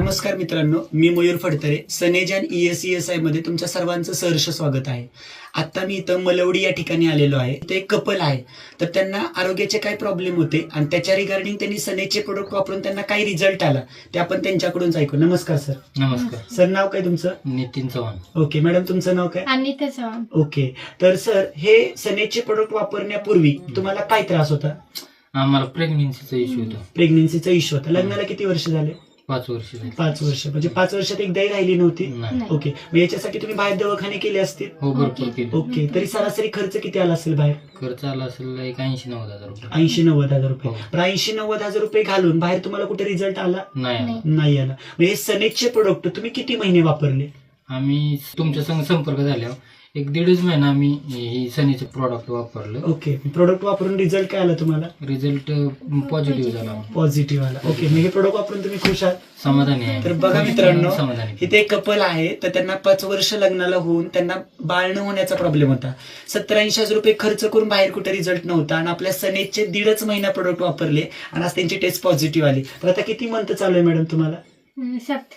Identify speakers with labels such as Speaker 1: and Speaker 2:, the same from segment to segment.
Speaker 1: नमस्कार मित्रांनो, मी मयूर फडतरे. सनेज आणि ESESI मध्ये तुमच्या सर्वांचं सहर्ष स्वागत आहे. आता मी इथं मलवडी या ठिकाणी आलेलो आहे. ते एक कपल आहे, तर त्यांना आरोग्याचे काय प्रॉब्लेम होते आणि त्याच्या रिगार्डिंग त्यांनी सनेजचे प्रोडक्ट वापरून त्यांना काय रिझल्ट आला ते आपण त्यांच्याकडूनच ऐकू. नमस्कार सर.
Speaker 2: नमस्कार
Speaker 1: सर, नाव काय तुमचं?
Speaker 2: नितीन चव्हाण.
Speaker 1: ओके मॅडम, तुमचं नाव काय?
Speaker 3: अनिता चव्हाण.
Speaker 1: ओके, तर सर हे सनेजचे प्रोडक्ट वापरण्यापूर्वी तुम्हाला काय त्रास होता?
Speaker 2: आम्हाला प्रेग्नेन्सीचा इश्यू होता.
Speaker 1: प्रेग्नेन्सीचा इश्यू होता. लग्नाला किती वर्ष झाले?
Speaker 2: 5 वर्ष झाली.
Speaker 1: 5 वर्ष. म्हणजे 5 वर्षात एकदाही राहिली नव्हती?
Speaker 2: नाही.
Speaker 1: ओके, मग याच्यासाठी तुम्ही बाहेर दवाखाने केले असतील?
Speaker 2: हो, भरपूर केली.
Speaker 1: ओके, तरी सरासरी खर्च किती आला असेल बाहेर?
Speaker 2: खर्च आला असेल एक 80-90 हजार रुपये.
Speaker 1: 80-90 हजार रुपये.
Speaker 2: हो.
Speaker 1: पण 80-90 हजार रुपये घालून बाहेर तुम्हाला कुठे रिझल्ट आला?
Speaker 2: नाही आला.
Speaker 1: नाही आला. मग हे सनेजचे प्रोडक्ट तुम्ही किती महिने वापरले?
Speaker 2: आम्ही तुमच्या संग संपर्क झाल्यावर 1-1.5 महिना आम्ही ही सनीचं प्रॉडक्ट वापरलं.
Speaker 1: ओके, प्रोडक्ट वापरून रिझल्ट काय आला तुम्हाला?
Speaker 2: रिझल्ट पॉझिटिव्ह झाला.
Speaker 1: पॉझिटिव्ह आला. ओके, मग हे प्रोडक्ट वापरून तुम्ही खुश आहात?
Speaker 2: समाधानी आहे.
Speaker 1: तर बघा मित्रांनो,
Speaker 2: समाधानी.
Speaker 1: इथे एक कपल आहे, तर त्यांना 5 वर्ष लग्नाला होऊन त्यांना बाळ न होण्याचा प्रॉब्लेम होता. 70-80 हजार रुपये खर्च करून बाहेर कुठे रिझल्ट नव्हता आणि आपल्या सनेजचे 1.5 महिना प्रोडक्ट वापरले आणि आज त्यांची टेस्ट पॉझिटिव्ह आली. तर आता किती मंथ चालू आहे मॅडम तुम्हाला?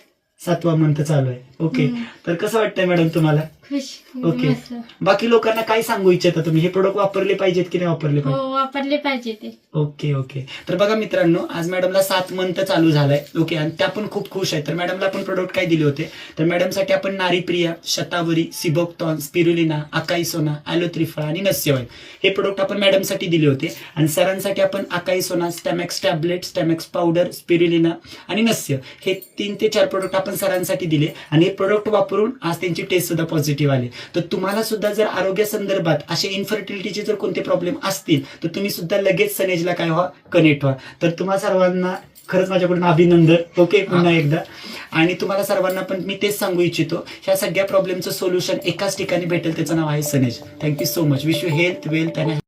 Speaker 3: 7.
Speaker 1: 7वा मंथ चालू आहे. ओके, तर कसं वाटतंय मॅडम तुम्हाला?
Speaker 3: खुश.
Speaker 1: ओके.
Speaker 3: मस्त.
Speaker 1: बाकी लोकांना काय सांगू इच्छिता तुम्ही? हे प्रोडक्ट वापरले पाहिजेत की नाही वापरले
Speaker 3: हो,
Speaker 1: पाहिजे?
Speaker 3: वापरले पाहिजे ते.
Speaker 1: ओके ओके, तर बघा मित्रांनो, आज मॅडमला 7 मंथ चालू झालाय. ओके, आणि त्या पण खूप खुश आहेत. तर मॅडमला आपण प्रोडक्ट काय दिले होते? तर मॅडमसाठी आपण नारीप्रिया, शतावरी, सिबोक्टॉन, स्पिरुलिना, अकाई सोना, ॲलोत्रिफा आणि नस्यवाय हे प्रोडक्ट आपण मॅडमसाठी दिले होते. आणि सरांसाठी आपण अकाई सोना, Stamax tablet, Stamax powder, spirulina आणि नस्य हे 3 ते 4 प्रोडक्ट आपण सरांसाठी दिले. आणि हे प्रोडक्ट वापरून आज त्यांची टेस्ट सुद्धा पॉझिटिव्ह आली. तर तुम्हाला सुद्धा जर आरोग्य संदर्भात असे इन्फर्टिलिटीचे जर कोणते प्रॉब्लेम असतील तर तुम्ही सुद्धा लगेच सनेजला काय व्हा, कनेक्ट व्हा. तर तुम्हा सर्वांना खरंच माझ्याकडून अभिनंदन. ओके, पुन्हा एकदा. आणि तुम्हाला सर्वांना पण मी तेच सांगू इच्छितो, ह्या सगळ्या प्रॉब्लेमचं सोल्युशन एकाच ठिकाणी भेटेल, त्याचं नाव आहे सनेज. Thank you so much. Wish you health, wealth आणि